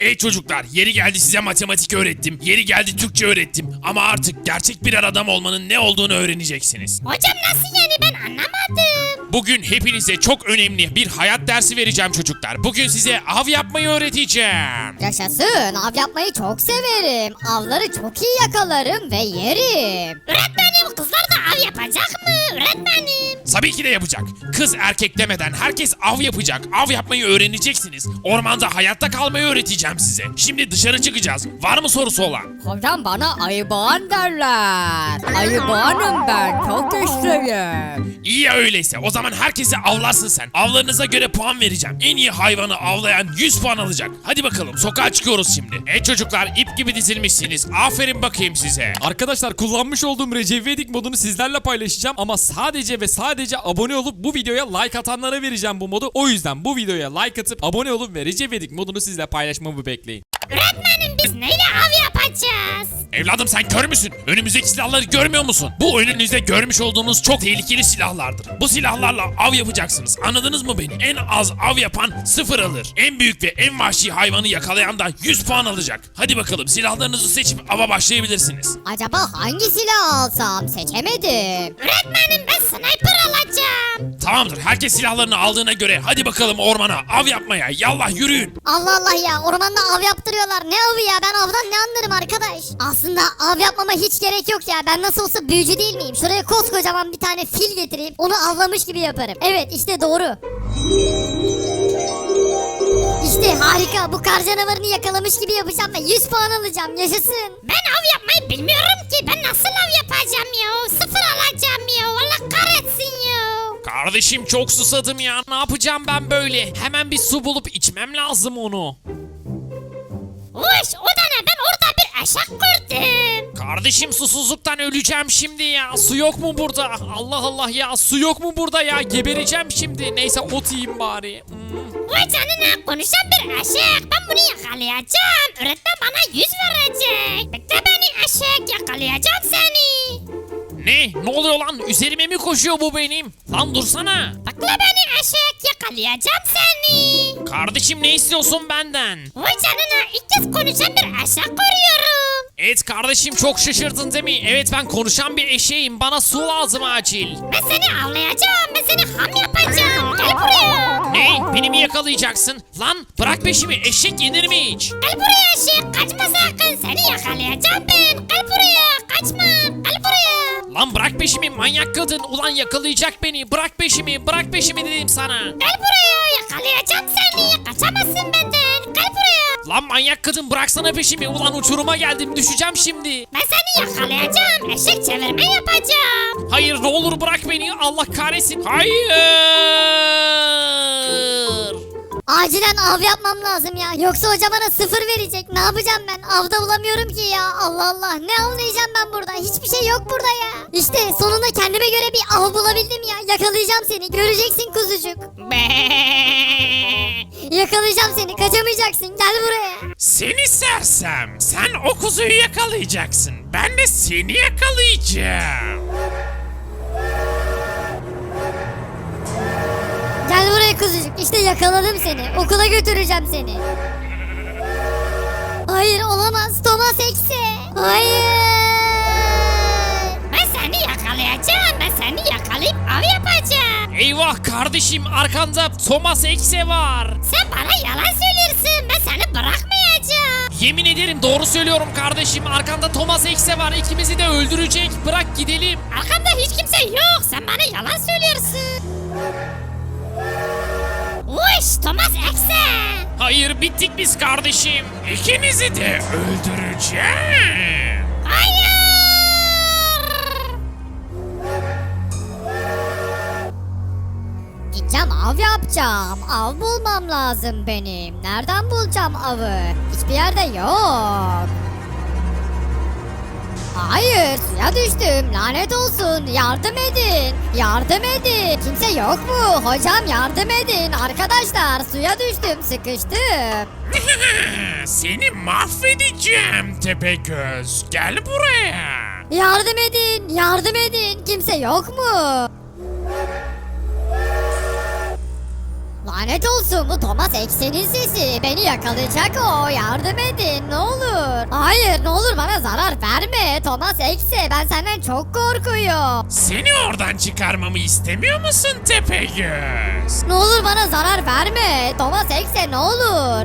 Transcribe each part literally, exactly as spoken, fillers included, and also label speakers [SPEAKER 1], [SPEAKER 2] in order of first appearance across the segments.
[SPEAKER 1] Ey çocuklar, yeri geldi size matematik öğrettim, yeri geldi Türkçe öğrettim ama artık gerçek birer adam olmanın ne olduğunu öğreneceksiniz.
[SPEAKER 2] Hocam nasıl yani, ben anlamadım.
[SPEAKER 1] Bugün hepinize çok önemli bir hayat dersi vereceğim çocuklar. Bugün size av yapmayı öğreteceğim.
[SPEAKER 3] Yaşasın, av yapmayı çok severim. Avları çok iyi yakalarım ve yerim.
[SPEAKER 2] Öğretmenim, kızlar da av yapacak mı öğretmenim?
[SPEAKER 1] Tabii ki de yapacak. Kız erkek demeden herkes av yapacak. Av yapmayı öğreneceksiniz. Ormanda hayatta kalmayı öğreteceğim size. Şimdi dışarı çıkacağız. Var mı sorusu olan?
[SPEAKER 3] Hocam bana ayı boğan derler. Ayı boğanım ben, çok güçlüyüm.
[SPEAKER 1] İyi ya öyleyse. O zaman herkese avlarsın sen. Avlarınıza göre puan vereceğim. En iyi hayvanı avlayan yüz puan alacak. Hadi bakalım, sokağa çıkıyoruz şimdi. Evet çocuklar, ip gibi dizilmişsiniz. Aferin bakayım size.
[SPEAKER 4] Arkadaşlar, kullanmış olduğum Recep İvedik modunu sizlerle paylaşacağım ama sadece ve sadece abone olup bu videoya like atanlara vereceğim bu modu. O yüzden bu videoya like atıp abone olup ve Recep İvedik modunu sizle paylaşmamı bekleyin.
[SPEAKER 2] Öğretmenim, biz neyle av yapacağız?
[SPEAKER 1] Evladım sen kör müsün? Önümüzdeki silahları görmüyor musun? Bu önünüzde görmüş olduğunuz çok tehlikeli silahlardır. Bu silahlarla av yapacaksınız. Anladınız mı beni? En az av yapan sıfır alır. En büyük ve en vahşi hayvanı yakalayan da yüz puan alacak. Hadi bakalım, silahlarınızı seçip ava başlayabilirsiniz.
[SPEAKER 3] Acaba hangi silah alsam, seçemedim.
[SPEAKER 2] Öğretmenim, ben sniper alacağım.
[SPEAKER 1] Tamamdır, herkes silahlarını aldığına göre hadi bakalım ormana av yapmaya. Yallah yürüyün.
[SPEAKER 3] Allah Allah ya, ormanda av yaptırıyorlar. Ne avı ya, ben avdan ne anlarım arkadaş. Aslında av yapmama hiç gerek yok ya, ben nasıl olsa büyücü değil miyim? Şuraya koskocaman bir tane fil getireyim, onu avlamış gibi yaparım. Evet, işte doğru. İşte harika, bu kar canavarını yakalamış gibi yapacağım ve yüz puan alacağım, yaşasın.
[SPEAKER 2] Ben av yapmayı bilmiyorum ki, ben nasıl av yapacağım ya? Sıfır alacağım ya, Allah kahretsin ya.
[SPEAKER 1] Kardeşim çok susadım ya. Ne yapacağım ben böyle? Hemen bir su bulup içmem lazım onu.
[SPEAKER 2] Uş, o da ne, ben orada bir eşek gördüm.
[SPEAKER 1] Kardeşim susuzluktan öleceğim şimdi ya. Su yok mu burada? Allah Allah ya, su yok mu burada ya? Gebereceğim şimdi. Neyse ot yiyeyim bari. Hmm.
[SPEAKER 2] Vay canına, konuşan bir eşek. Ben bunu yakalayacağım. Öğretmen bana yüz verecek. Bekle beni eşek, yakalayacağım seni.
[SPEAKER 1] Ne? Ne oluyor lan? Üzerime mi koşuyor bu benim? Lan dursana.
[SPEAKER 2] Bekle beni eşek, yakalayacağım seni.
[SPEAKER 1] Kardeşim ne istiyorsun benden?
[SPEAKER 2] Vay canına, ilk kez konuşan bir eşek görüyorum.
[SPEAKER 1] Evet kardeşim, çok şaşırdın değil mi? Evet, ben konuşan bir eşeğim. Bana su lazım acil.
[SPEAKER 2] Ben seni avlayacağım, ben seni ham yapacağım. Gel buraya.
[SPEAKER 1] Ne? Beni mi yakalayacaksın? Lan bırak peşimi, eşek yenir mi hiç?
[SPEAKER 2] Gel buraya eşek, kaçma sakın, seni yakalayacağım ben. Gel buraya, kaçma, gel buraya.
[SPEAKER 1] Lan bırak peşimi manyak kadın. Ulan yakalayacak beni. Bırak peşimi, bırak peşimi dedim sana.
[SPEAKER 2] Gel buraya, yakalayacağım seni. Kaçamazsın benden. Gel buraya.
[SPEAKER 1] Lan manyak kadın, bıraksana peşimi. Ulan uçuruma geldim, düşeceğim şimdi.
[SPEAKER 2] Ben seni yakalayacağım. Eşek çevirme yapacağım.
[SPEAKER 1] Hayır, ne olur bırak beni. Allah kahretsin. Hayır.
[SPEAKER 3] Acilen av yapmam lazım ya, yoksa hoca bana sıfır verecek. Ne yapacağım ben, avda bulamıyorum ki ya. Allah Allah, ne avlayacağım ben burada, hiçbir şey yok burada ya. İşte sonunda kendime göre bir av bulabildim ya. Yakalayacağım seni, göreceksin kuzucuk. Yakalayacağım seni, kaçamayacaksın, gel buraya.
[SPEAKER 1] Seni sersem. Sen o kuzuyu yakalayacaksın. Ben de seni yakalayacağım.
[SPEAKER 3] Gel buraya kuzucuk, işte yakaladım seni, okula götüreceğim seni. Hayır, olamaz, Thomas Ekse. Hayır.
[SPEAKER 2] Ben seni yakalayacağım. Ben seni yakalayıp av yapacağım.
[SPEAKER 1] Eyvah kardeşim, arkanda Thomas Ekse var.
[SPEAKER 2] Sen bana yalan söylüyorsun. Ben seni bırakmayacağım.
[SPEAKER 1] Yemin ederim doğru söylüyorum kardeşim. Arkanda Thomas Ekse var. İkimizi de öldürecek. Bırak gidelim.
[SPEAKER 2] Arkamda hiç kimse yok. Sen bana yalan söylüyorsun. Uş, Thomas Ekse.
[SPEAKER 1] Hayır, bittik biz kardeşim. İkinizi de öldüreceğim.
[SPEAKER 2] Hayır.
[SPEAKER 3] Gideceğim, av yapacağım. Av bulmam lazım benim. Nereden bulacağım avı? Hiçbir yerde yok. Hayır, suya düştüm. Lanet olsun. Yardım edin. Yardım edin. Kimse yok mu? Hocam yardım edin. Arkadaşlar, suya düştüm. Sıkıştım.
[SPEAKER 1] Seni mahvedeceğim Tepegöz. Gel buraya.
[SPEAKER 3] Yardım edin. Yardım edin. Kimse yok mu? Lanet olsun, bu Thomas Eksen'in sesi. Beni yakalayacak o. Yardım edin ne olur. Hayır, ne olur bana zarar verme. Thomas Ekse, ben senden çok korkuyorum.
[SPEAKER 1] Seni oradan çıkarmamı istemiyor musun Tepegöz?
[SPEAKER 3] Ne olur bana zarar verme. Thomas Ekse, ne olur.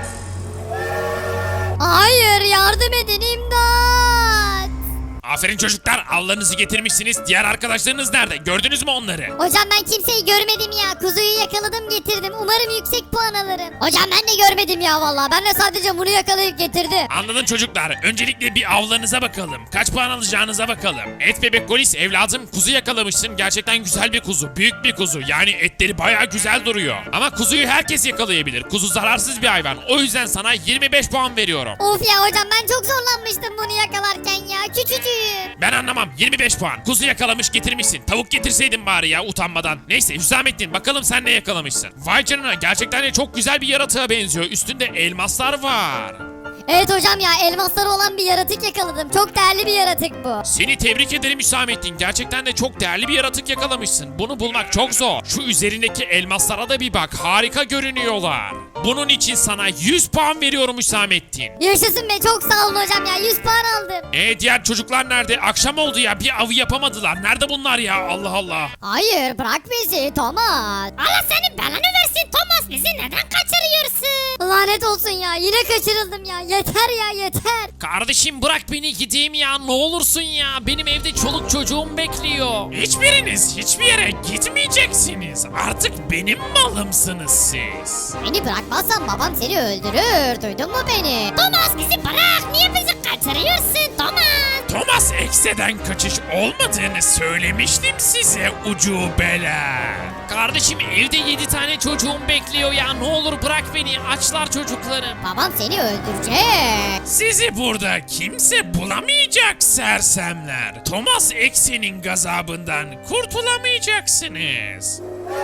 [SPEAKER 3] Hayır, yardım edin, imdat.
[SPEAKER 1] Aferin çocuklar, avlarınızı getirmişsiniz. Diğer arkadaşlarınız nerede? Gördünüz mü onları?
[SPEAKER 3] Hocam ben kimseyi görmedim ya. Kuzuyu yakaladım getirdim. Umarım yüksek puan alırım. Hocam ben de görmedim ya vallahi. Ben de sadece bunu yakalayıp getirdim.
[SPEAKER 1] Anladın çocuklar. Öncelikle bir avlarınıza bakalım. Kaç puan alacağınıza bakalım. Et bebek Golis evladım, kuzu yakalamışsın. Gerçekten güzel bir kuzu. Büyük bir kuzu. Yani etleri bayağı güzel duruyor. Ama kuzuyu herkes yakalayabilir. Kuzu zararsız bir hayvan. O yüzden sana yirmi beş puan veriyorum.
[SPEAKER 3] Of ya hocam, ben çok zorlanmıştım bunu yakalarken ya. Küçücüğüm.
[SPEAKER 1] Ben anlamam. yirmi beş puan. Kuzu yakalamış getirmişsin. Tavuk getirseydin bari ya utanmadan. Neyse Hüsamettin, bakalım sen ne yakalamışsın. Vay canına, gerçekten de çok güzel bir yaratığa benziyor. Üstünde elmaslar var.
[SPEAKER 3] Evet hocam ya, elmasları olan bir yaratık yakaladım. Çok değerli bir yaratık bu.
[SPEAKER 1] Seni tebrik ederim Hüsamettin. Gerçekten de çok değerli bir yaratık yakalamışsın. Bunu bulmak çok zor. Şu üzerindeki elmaslara da bir bak. Harika görünüyorlar. Bunun için sana yüz puan veriyorum Hüsamettin.
[SPEAKER 3] Yaşasın be, çok sağ olun hocam ya. yüz puan aldım.
[SPEAKER 1] E diğer çocuklar nerede? Akşam oldu ya, bir avı yapamadılar. Nerede bunlar ya? Allah Allah.
[SPEAKER 3] Hayır, bırak bizi Thomas.
[SPEAKER 2] Allah senin belanı versin Thomas, bizi neden kaçırıyorsun?
[SPEAKER 3] Lanet olsun ya, yine kaçırıldım ya. Yeter ya, yeter.
[SPEAKER 1] Kardeşim bırak beni gideyim ya, ne olursun ya. Benim evde çoluk çocuğum bekliyor. Hiçbiriniz hiçbir yere gitmeyeceksiniz. Artık benim malımsınız siz.
[SPEAKER 3] Beni bırakmazsan babam seni öldürür. Duydun mu beni?
[SPEAKER 2] Thomas bizi bırak, niye bizi kaçırıyorsun Thomas?
[SPEAKER 1] Thomas Ekse'den kaçış olmadığını söylemiştim size ucubeler. Kardeşim evde yedi tane çocuğum bekliyor ya, ne olur bırak beni, açlar çocuklarım.
[SPEAKER 3] Babam seni öldürecek.
[SPEAKER 1] Sizi burada kimse bulamayacak sersemler. Thomas Ekse'nin gazabından kurtulamayacaksınız.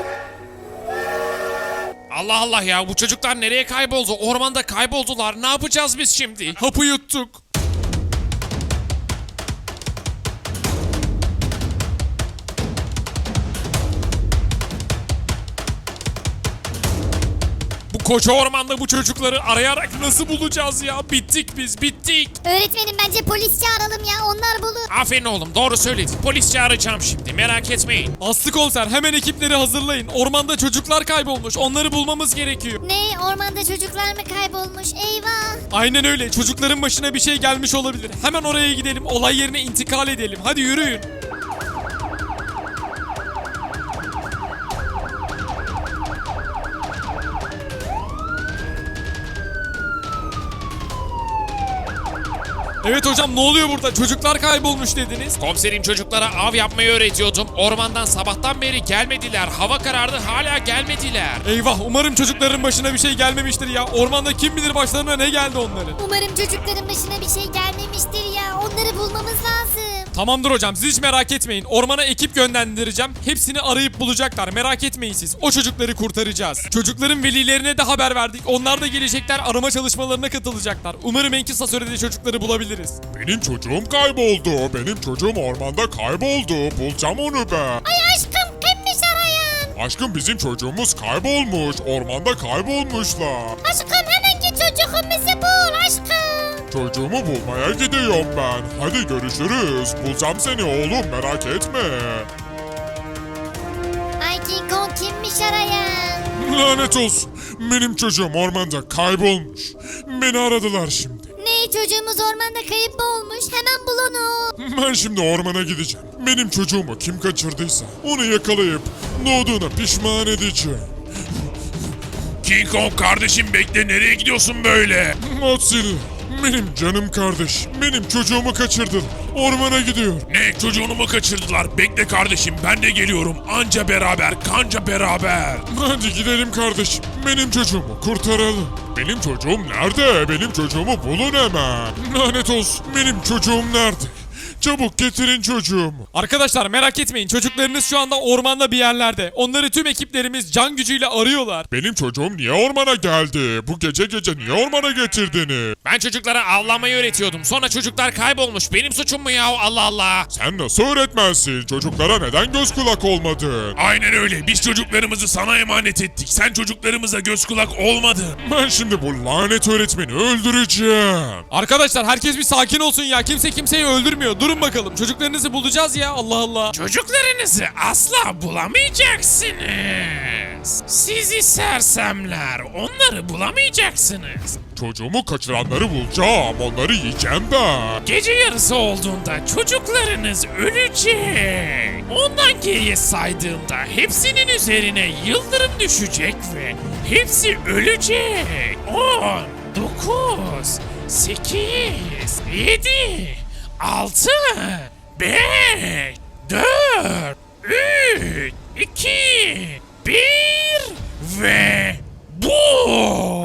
[SPEAKER 1] Allah Allah ya, bu çocuklar nereye kayboldu? Ormanda kayboldular. Ne yapacağız biz şimdi?
[SPEAKER 4] Hapı yuttuk. Bu koca ormanda bu çocukları arayarak nasıl bulacağız ya? Bittik biz, bittik.
[SPEAKER 3] Öğretmenim, bence polis çağıralım ya. Onlar bulur.
[SPEAKER 1] Aferin oğlum, doğru söyledin. Polis çağıracağım şimdi, merak etmeyin.
[SPEAKER 4] Aslı komiser, hemen ekipleri hazırlayın. Ormanda çocuklar kaybolmuş. Onları bulmamız gerekiyor.
[SPEAKER 3] Ne? Ormanda çocuklar mı kaybolmuş? Eyvah.
[SPEAKER 4] Aynen öyle. Çocukların başına bir şey gelmiş olabilir. Hemen oraya gidelim. Olay yerine intikal edelim. Hadi yürüyün. Evet hocam, ne oluyor burada? Çocuklar kaybolmuş dediniz.
[SPEAKER 1] Komiserim, çocuklara av yapmayı öğretiyordum. Ormandan sabahtan beri gelmediler. Hava karardı, hala gelmediler.
[SPEAKER 4] Eyvah, umarım çocukların başına bir şey gelmemiştir ya. Ormanda kim bilir başlarına ne geldi onların.
[SPEAKER 3] Umarım çocukların başına bir şey gelmemiştir ya. Onları bulmamız lazım.
[SPEAKER 4] Tamamdır hocam, siz hiç merak etmeyin. Ormana ekip yönlendireceğim. Hepsini arayıp bulacaklar. Merak etmeyin siz. O çocukları kurtaracağız. Çocukların velilerine de haber verdik. Onlar da gelecekler, arama çalışmalarına katılacaklar. Umarım en kısa sürede çocukları bulabiliriz.
[SPEAKER 5] Benim çocuğum kayboldu. Benim çocuğum ormanda kayboldu. Bulacağım onu ben.
[SPEAKER 2] Ay aşkım, kimmiş arayan?
[SPEAKER 5] Aşkım, bizim çocuğumuz kaybolmuş. Ormanda kaybolmuşlar.
[SPEAKER 2] Aşkım hemen git çocuğumuzu bul aşkım.
[SPEAKER 5] Çocuğumu bulmaya gidiyorum ben. Hadi görüşürüz. Bulacağım seni oğlum, merak etme.
[SPEAKER 3] Ay, King Kong kimmiş arayan?
[SPEAKER 5] Lanet olsun. Benim çocuğum ormanda kaybolmuş. Beni aradılar şimdi.
[SPEAKER 3] Ne? Çocuğumuz ormanda kayıp mı olmuş? Hemen bul onu.
[SPEAKER 5] Ben şimdi ormana gideceğim. Benim çocuğumu kim kaçırdıysa onu yakalayıp doğduğuna pişman edeceğim.
[SPEAKER 1] King Kong kardeşim, bekle, nereye gidiyorsun böyle?
[SPEAKER 5] Godzilla, benim canım kardeş. Benim çocuğumu kaçırdılar. Ormana gidiyor.
[SPEAKER 1] Ne, çocuğunu mu kaçırdılar? Bekle kardeşim, ben de geliyorum. Anca beraber, kanca beraber.
[SPEAKER 5] Hadi gidelim kardeşim. Benim çocuğumu kurtaralım. Benim çocuğum nerede? Benim çocuğumu bulun hemen. Lanet olsun. Benim çocuğum nerede? Çabuk getirin çocuğumu.
[SPEAKER 4] Arkadaşlar merak etmeyin, çocuklarınız şu anda ormanda bir yerlerde. Onları tüm ekiplerimiz can gücüyle arıyorlar.
[SPEAKER 5] Benim çocuğum niye ormana geldi? Bu gece gece niye ormana getirdiniz?
[SPEAKER 1] Ben çocuklara avlamayı öğretiyordum. Sonra çocuklar kaybolmuş. Benim suçum mu ya? Allah Allah.
[SPEAKER 5] Sen nasıl öğretmensin? Çocuklara neden göz kulak olmadın?
[SPEAKER 1] Aynen öyle. Biz çocuklarımızı sana emanet ettik. Sen çocuklarımıza göz kulak olmadın.
[SPEAKER 5] Ben şimdi bu lanet öğretmeni öldüreceğim.
[SPEAKER 4] Arkadaşlar herkes bir sakin olsun ya. Kimse kimseyi öldürmüyor. Durun bakalım. Çocuklarınızı bulacağız ya. Allah Allah.
[SPEAKER 1] Çocuklarınızı asla bulamayacaksınız. Sizi sersemler. Onları bulamayacaksınız.
[SPEAKER 5] Çocuğumu kaçıranları bulacağım. Onları yiyeceğim ben.
[SPEAKER 1] Gece yarısı olduğunda çocuklarınız ölecek. Ondan geriye saydığımda hepsinin üzerine yıldırım düşecek ve hepsi ölecek. on, dokuz, sekiz, yedi, altı, beş, dört, üç, iki, bir ve bu.